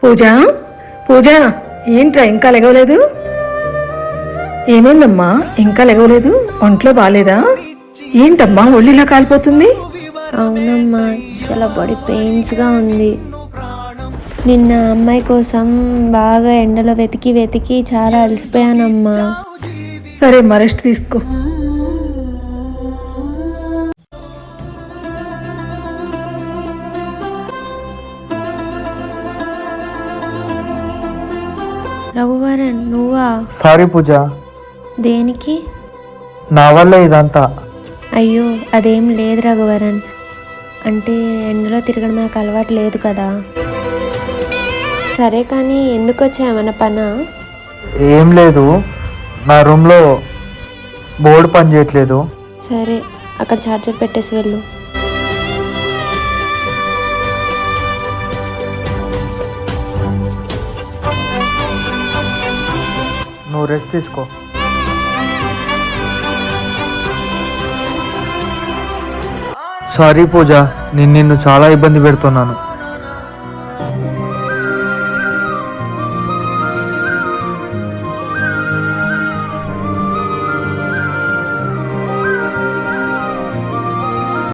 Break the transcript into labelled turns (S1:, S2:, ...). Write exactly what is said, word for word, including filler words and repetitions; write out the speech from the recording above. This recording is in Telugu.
S1: పూజ పూజ ఏంట్రా ఇంకా లెగవలేదు? ఏమైందమ్మా ఇంకా లెగవలేదు? ఒంట్లో బాలేదా? ఏంటమ్మా ఒళ్ళిలా కాలిపోతుంది?
S2: అవునమ్మా, చాలా బాడీ పెయిన్స్గా ఉంది. నిన్న అమ్మాయి కోసం బాగా ఎండలో వెతికి వెతికి చాలా అలసిపోయానమ్మా.
S1: సరే అమ్మా, రెస్ట్ తీసుకో.
S2: రఘువరన్, నువ్వా?
S3: సారీ పూజ,
S2: దేనికి?
S3: నా వల్ల ఇదంతా.
S2: అయ్యో, అదేం లేదు రఘువరన్. అంటే ఎండలో తిరగడం నాకు అలవాటు లేదు కదా. సరే కానీ ఎందుకు వచ్చా? ఏమన్నా పనా?
S3: ఏం లేదు, నా రూమ్లో బోర్డు పని చేయట్లేదు.
S2: సరే, అక్కడ ఛార్జర్ పెట్టేసి వెళ్ళు.
S3: నువ్వు రెస్ట్ తీసుకో. సారీ పూజ, నేను నిన్ను చాలా ఇబ్బంది పెడుతున్నాను.